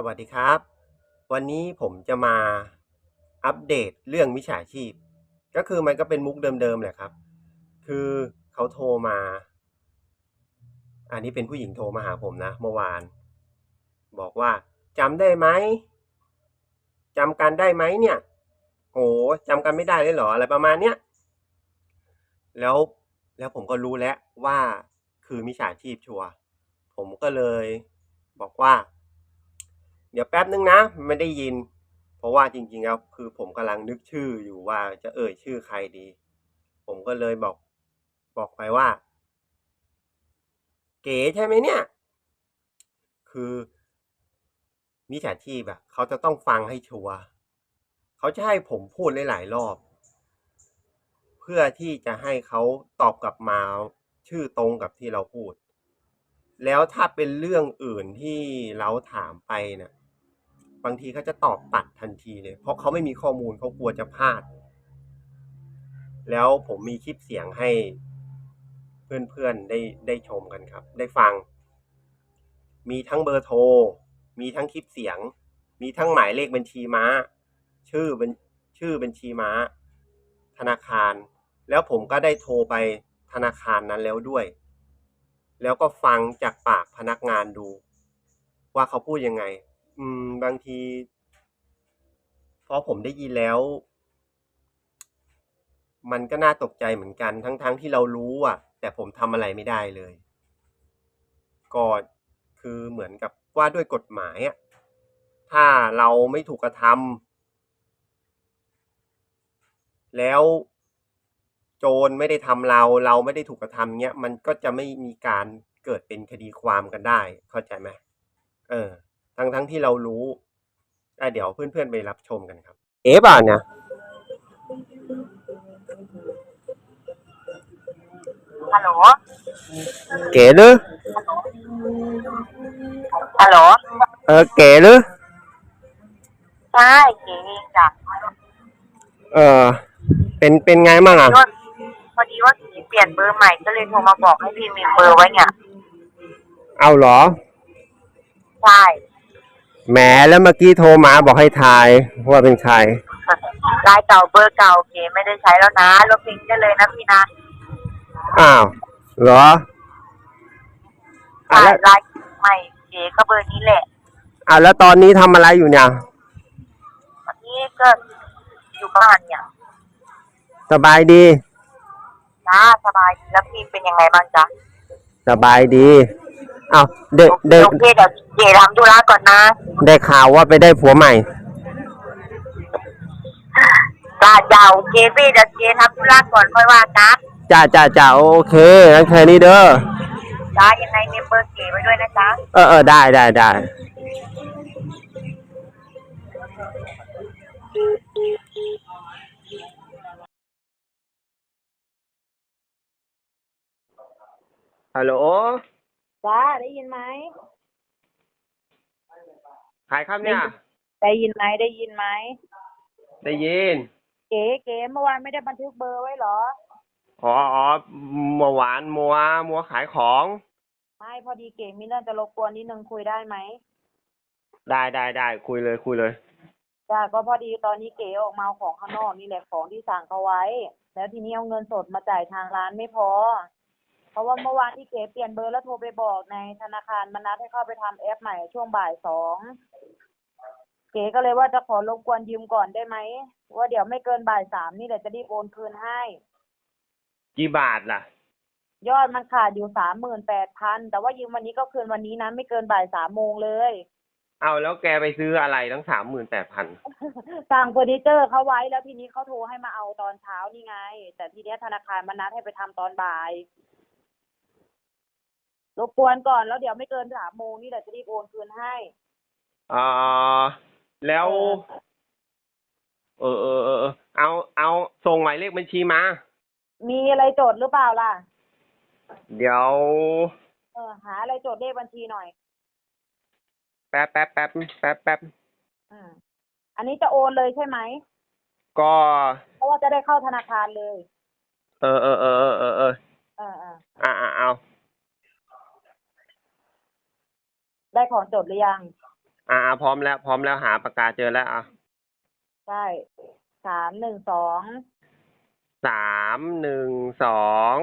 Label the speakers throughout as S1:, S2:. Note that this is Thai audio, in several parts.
S1: วัสดีครับวันนี้ผมจะมาอัปเดตเรื่องมิจฉาชีพก็คือมันก็เป็นมุกเดิมๆแหละครับคือเขาโทรมาอันนี้เป็นผู้หญิงโทรมาหาผมนะเมื่อวานบอกว่าจำได้ไหมจำกันได้ไหมเนี่ยโอ้จำกันไม่ได้เลยเหรออะไรประมาณเนี้ยแล้วแล้วผมก็รู้แล้วว่าคือมิจฉาชีพชัวร์ผมก็เลยบอกว่า เดี๋ยวแป๊บนึงนะไม่ได้ยินเพราะว่าจริงๆแล้วคือผมกำลังนึกชื่ออยู่ว่าจะเอ่ยชื่อใครดีผมก็เลยบอกไปว่าเก๋ใช่ไหมเนี่ยคือมิจฉาชีพอะเขาจะต้องฟังให้ชัวร์เขาจะให้ผมพูดหลายๆรอบเพื่อที่จะให้เขาตอบกลับมาชื่อตรงกับที่เราพูดแล้วถ้าเป็นเรื่องอื่นที่เราถามไปเนี่ยบางทีเขาจะตอบตัดทันทีเลยเพราะเขาไม่มีข้อมูลเขากลัวจะพลาด แล้วผมมีคลิปเสียงให้เพื่อนๆได้ชมกันครับได้ฟังมีทั้งเบอร์โทรมีทั้งคลิปเสียงมีทั้งหมายเลขบัญชีม้าชื่อเป็นชื่อบัญชีม้าธนาคารแล้วผมก็ได้โทรไปธนาคารนั้นแล้วด้วยแล้วก็ฟังจากปากพนักงานดูว่าเขาพูดยังไงบางทีพอผมได้ยินแล้วมันก็น่าตกใจเหมือนกันทั้งที่เรารู้อ่ะแต่ผมทำอะไรไม่ได้เลยก็คือเหมือนกับว่าด้วยกฎหมายอ่ะถ้าเราไม่ถูกกระทำแล้วโจรไม่ได้ทำเราไม่ได้ถูกกระทำเงี้ยมันก็จะไม่มีการเกิดเป็นคดีความกันได้เข้าใจไหมเออทั้งที่เรารู้เดี๋ยวเพื่อนๆไปรับชมกันครับเอ๋ป่ะเนี่ย
S2: ฮัลโหล
S1: เก๋หรือ
S2: ฮัลโหล
S1: เก๋หรือ
S2: ใช่เก๋เองจ้ะ
S1: เออเป็นไงมั่งอ่ะ
S2: พอดีว่าเก๋เปลี่ยนเบอร์ใหม่ก็เลยโทรมาบอกให้พี่มีเบอร์ไว้เนี่ย
S1: เอาเหรอ
S2: ใช่
S1: แหมแล้วเมื่อกี้โทรมาบอกให้ทายว่าเป็นใคร
S2: ลายเก่าเบอร์เก่าเก๋ไม่ได้ใช้แล้วนะลบทิ้งได้เลยนะพี่นะ
S1: อ้าวเหรอ
S2: ใช่
S1: แล้ว
S2: ลายใหม่เก๋ก็เบอร์นี้แหละ
S1: แล้วตอนนี้ทำอะไรอยู่เนี่ย
S2: วันนี้ก็อยู่บ้านเนี่ย
S1: สบายดี
S2: จ้าสบายดีแล้วพี่เป็นยังไงบ้างจ๊ะ
S1: สบายดีอ้าวเด็กเด็ก
S2: โอเคเดี๋ยวเก๋ทำธุระก่อนนะ
S1: ได้ข่าวว่าไปได้ผัวใหม่
S2: จ้าโอเคพี่เดี๋ยวเก๋ทำธุระก่อนค่อยว่ากัน
S1: จ้าโอเคงั้นแค่นี้เด้อ
S2: จ้ายังไงเมมเบอร์เก๋ไว้ด้วยนะจ๊ะ
S1: ได้ฮัลโหล
S2: จ้าได้ยินไหม
S1: ใครครับเนี่ย
S2: ได้ยินไหมได้ยินไหม
S1: ได้ยิน
S2: เก๋เมื่อวานไม่ได้บันทึกเบอร์ไว้เหรอ
S1: อ๋อเมื่อวานมัวขายของ
S2: ไม่พอดีเก๋มีเรื่องจะรบกวนนิดนึงคุยได้ไหม
S1: ได้คุยเลย
S2: จ้าก็พอดีตอนนี้เก๋ออกมาเอาของข้างนอกนี่แหละของที่สั่งเขาไว้แล้วทีนี้เอาเงินสดมาจ่ายทางร้านไม่พอเพราะว่าเมื่อวานที่เก๋เปลี่ยนเบอร์แล้วโทรไปบอกในธนาคารมันนัดให้เข้าไปทำแอปใหม่ช่วงบ่าย 2เก๋ก็เลยว่าจะขอรบกวนยืมก่อนได้ไหมว่าเดี๋ยวไม่เกินบ่าย 3นี่แหละจะรีบโอนคืนให้
S1: กี่บาทล่ะ
S2: ยอดมันขาดอยู่38,000แต่ว่ายืมวันนี้ก็คืนวันนี้นะไม่เกินบ่าย 3 โมงเลย
S1: เอาแล้วแกไปซื้ออะไรทั้ง38,000
S2: สั่งเฟอร์นิเจอร์เขาไว้แล้วทีนี้เขาโทรให้มาเอาตอนเช้านี่ไงแต่ทีเนี้ยธนาคารมันนัดให้ไปทำตอนบ่ายรบกวนก่อนแล้วเดี๋ยวไม่เกิน3 โมงนี่แหละจะรีบโอนคืนให้
S1: อ่าแล้วเอาส่งหมายเลขบัญชีมา
S2: มีอะไรจดหรือเปล่าล่ะ
S1: เดี๋ยว
S2: หาอะไรจดเลขบัญชีหน่อย
S1: แป๊บ
S2: อืมอันนี้จะโอนเลยใช่ไหม
S1: ก็
S2: เพราะว่าจะได้เข้าธนาคารเลย
S1: เออเอา
S2: ได้ของจดหรือยัง
S1: พร้อมแล้ว พร้อมแล้วหาปากกาเจอแล้ว
S2: ใช่312
S1: 312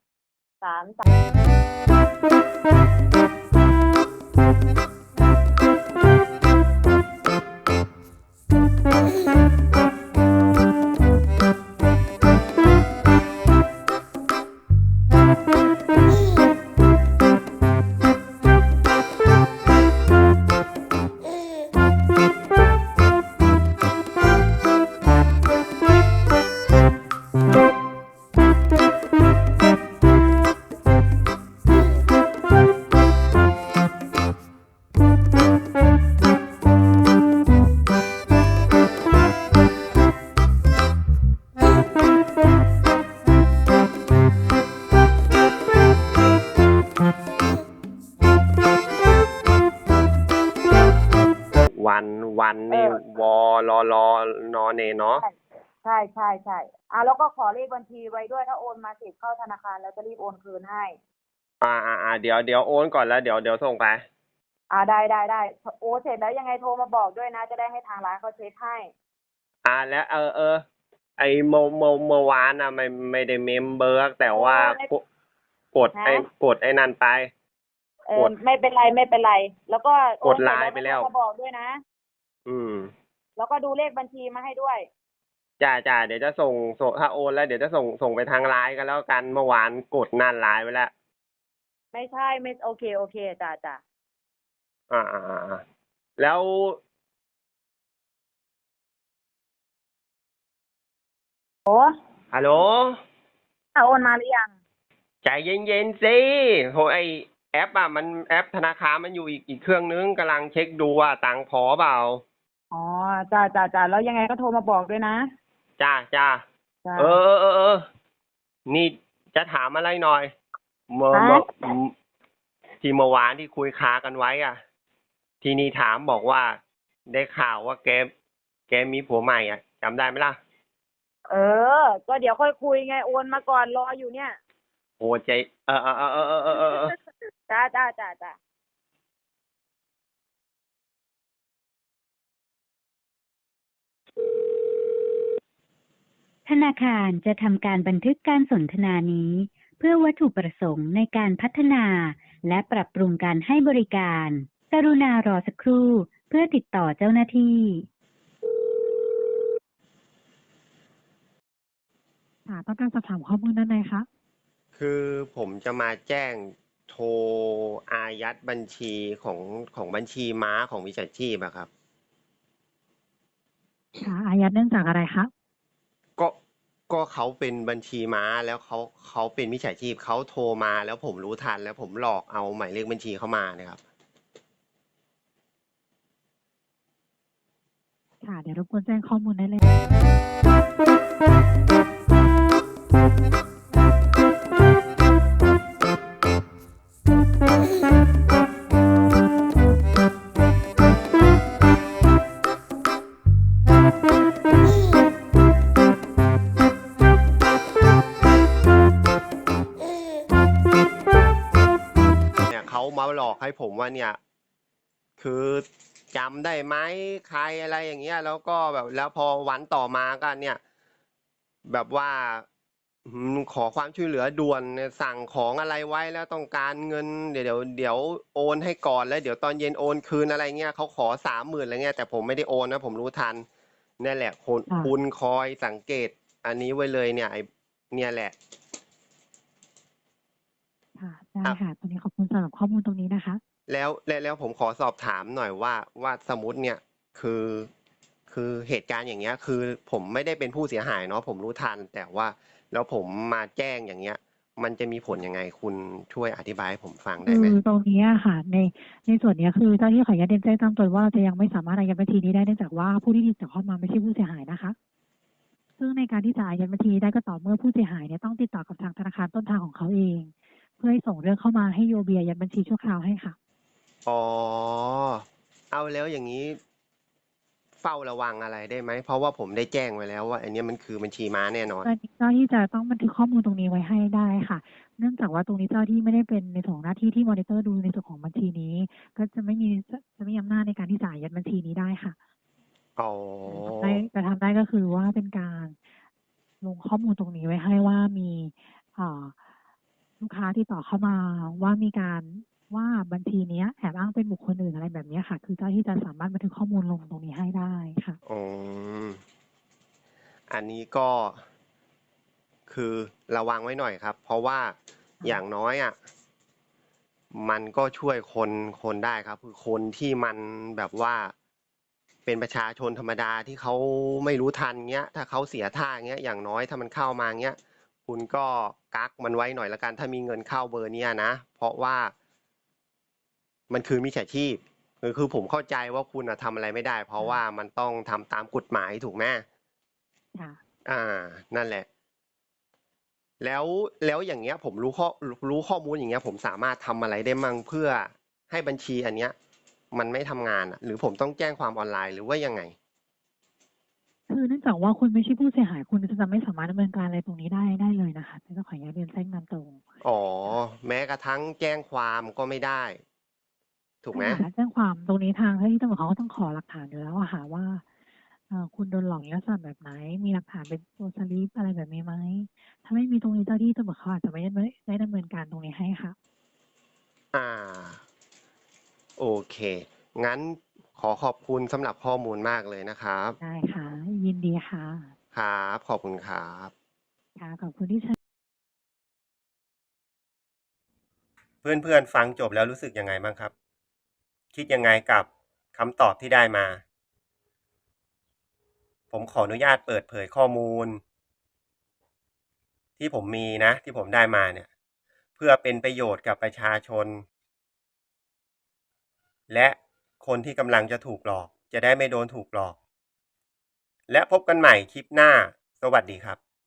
S1: วันนี่วอลอลอนอเนเนาะ
S2: ใช่แล้วก็ขอเลขบัญชีไว้ด้วยถ้าโอนมาเสร็จเข้าธนาคารแล้วจะรีบโอนคืนให้
S1: เดี๋ยวโอนก่อนแล้วเดี๋ยวส่งไป
S2: ได้โอนเสร็จแล้วยังไงโทรมาบอกด้วยนะจะได้ให้ทางร้านเขาเช็คให้
S1: แล้วไอเมื่อวานไม่ได้เมมเบอร์แต่ว่ากดไอ้นั่นไป
S2: ไม่เป็นไรแล้วก็
S1: กดไลน์ไปแล้ว
S2: โทรมาบอกด้วยนะแล้วก็ดูเลขบัญชีมาให้ด้วย
S1: จ้าเดี๋ยวจะส่งถ้าโอนแล้วเดี๋ยวจะส่งไปทางไลน์กันแล้วกันเมื่อวานกดนั่นไลน์ไปแล้ว
S2: ไม่ใช่ไม่โอเคจ้า
S1: แล้ว
S2: โอ้
S1: ฮัลโหล
S2: โอนมาหรือยัง
S1: ใจเย็นๆสิโหไอแอปมันแอปธนาคารมันอยู่อีกเครื่องนึงกำลังเช็คดูว่าตังค์พอเปล่า
S2: จ้าแล้วยังไงก็โทรมาบอกด้วยนะ
S1: จ้านี่จะถามอะไรหน่อยที่เมื่อวานที่คุยค้ากันไว้ทีนี้ถามบอกว่าได้ข่าวว่าแกมีผัวใหม่จำได้ไหมล่ะ
S2: ก็เดี๋ยวค่อยคุยไงโอนมาก่อนรออยู่เนี่ย
S1: โอ้ใจ
S2: จ้า
S3: ธนาคารจะทำการบันทึกการสนทนานี้เพื่อวัตถุประสงค์ในการพัฒนาและปรับปรุงการให้บริการกรุณารอสักครู่เพื่อติดต่อเจ้าหน้าที่
S4: ต้องการสอบถามข้อมูลด้านในคะ
S1: คือผมจะมาแจ้งโทรอายัดบัญชีของบัญชีม้าของวิชาชีพครับ
S4: อายัดเนื่องจากอะไรคะ
S1: ก็เขาเป็นบัญชีม้าแล้วเขาเป็นมิจฉาชีพเขาโทรมาแล้วผมรู้ทันแล้วผมหลอกเอาหมายเลขบัญชีเข้ามานะครับ
S4: เดี๋ยวรบกวนแจ้งข้อมูลได้เลย
S1: เขามาหลอกให้ผมว่าเนี่ยคือจำได้ไหมใครอะไรอย่างเงี้ยแล้วก็แบบแล้วพอวันต่อมาก็เนี่ยแบบว่าขอความช่วยเหลือด่วนสั่งของอะไรไว้แล้วต้องการเงินเดี๋ยวโอนให้ก่อนแล้วเดี๋ยวตอนเย็นโอนคืนอะไรเงี้ยเขาขอ30,000อะไรเงี้ยแต่ผมไม่ได้โอนนะผมรู้ทันนี่แหละคุณคอยสังเกตอันนี้ไว้เลยเนี่ยเนี่ยแหละ
S4: ได้ค่ะตอนนี้ขอบคุณสำหรับข้อมูลตรงนี้นะคะ
S1: แล้วผมขอสอบถามหน่อยว่าสมมติเนี่ยคือเหตุการณ์อย่างเงี้ยคือผมไม่ได้เป็นผู้เสียหายเนาะผมรู้ทันแต่ว่าแล้วผมมาแจ้งอย่างเงี้ยมันจะมีผลยังไงคุณช่วยอธิบายให้ผมฟังได้ไหม
S4: ตรงนี้ค่ะในส่วนนี้คือเจ้าที่ขออนุญาตแจ้งตามตัวว่าจะยังไม่สามารถอายัดบัญชีนี้ได้เนื่องจากว่าผู้ที่ติดต่อเข้ามาไม่ใช่ผู้เสียหายนะคะซึ่งในการที่จะอายัดบัญชีได้ก็ต่อเมื่อผู้เสียหายเนี่ยต้องติดต่อกับทางธนาคารต้นทางของเขาเองเพื่อให้ส่งเรื่องเข้ามาให้โยเบียยัดบัญชีชั่วคราวให้ค่ะ
S1: เอาแล้วอย่างนี้เฝ้าระวังอะไรได้ไหมเพราะว่าผมได้แจ้งไว้แล้วว่าอันนี้มันคือบัญชีม้าแน่นอน
S4: ตอนนี้เจ้าที่จะต้องบันทึกข้อมูลตรงนี้ไว้ให้ได้ค่ะเนื่องจากว่าตรงนี้เจ้าหน้าที่ไม่ได้เป็นในส่วนของหน้าที่ที่มอนิเตอร์ดูในส่วนของบัญชีนี้ ก็จะไม่มีอำนาจในการที่จะอายัดบัญชีนี้ได้ค่ะ
S1: อ๋อ
S4: แต่ทำได้ก็คือว่าเป็นการลงข้อมูลตรงนี้ไว้ให้ว่ามีลูกค้าที่ต่อเข้ามาว่ามีการว่าบัญชีเนี้ยแอบอ้างเป็นบุคคลอื่นอะไรแบบเนี้ยค่ะ คือเจ้าที่จะสามารถบันทึกข้อมูลลงตรงนี้ให้ได้ค่ะ
S1: อืมอันนี้ก็คือระวังไว้หน่อยครับ เพราะว่าอย่างน้อยอ่ะมันก็ช่วยคนได้ครับ คือคนที่มันแบบว่าเป็นประชาชนธรรมดาที่เขาไม่รู้ทันเงี้ย ถ้าเขาเสียท่าเงี้ย อย่างน้อยถ้ามันเข้ามาเงี้ย คุณก็กักมันไว้หน่อยละกัน ถ้ามีเงินเข้าเบอร์เนี้ยนะ เพราะว่ามันคือมิจฉาชีพคือผมเข้าใจว่าคุณทำอะไรไม่ได้ เพราะว่ามันต้องทำตามกฎหมายถูกไหม
S4: ค่ะ
S1: นั่นแหละ แล้วอย่างเงี้ย ผมรู้ข้อมูลอย่างเงี้ย ผมสามารถทำอะไรได้มั่งเพื่อให้บัญชีอันเนี้ย มันไม่ทำงานหรือผมต้องแจ้งความออนไลน์หรือว่ายังไง
S4: คือเนื่องจากว่าคุณไม่ใช่ผู้เสียหายคุณจะไม่สามารถดำเนินการอะไรตรงนี้ได้เลยนะคะต้องขออนุญาตเรียนแจ้งนำตรง
S1: อ๋อ แม้กระทั่งแจ้งความก็ไม่ได้ ถูกไหม
S4: ใช่ค่ะถ้าแจ้งความตรงนี้ทางเจ้าหน้าที่ตำรวจเขาก็ต้องขอหลักฐานอยู่แล้วอะค่ะว่าคุณโดนหลอกในลักษณะแบบไหน มีหลักฐานเป็นตัวสลิปอะไรแบบนี้ไหม ถ้าไม่มีตรงนี้เจ้าหน้าที่ตำรวจเขาอาจจะไม่ได้ดำเนินการตรงนี้ให้ค่ะ
S1: อ่า โอเค งั้นขอขอบคุณสำหรับข้อมูลมากเลยนะครับ
S4: ได้ค่ะ ยินดีค่ะ
S1: ครับ ขอบคุณครับ
S4: ค่ะ ขอบคุณที่ใช้
S1: เพื่อนๆฟังจบแล้วรู้สึกยังไงบ้างครับ คิดยังไงกับคำตอบที่ได้มา ผมขออนุญาตเปิดเผยข้อมูล ที่ผมมีนะ ที่ผมได้มาเนี่ย เพื่อเป็นประโยชน์กับประชาชน และคนที่กำลังจะถูกหลอก จะได้ไม่โดนถูกหลอก และพบกันใหม่คลิปหน้า สวัสดีครับ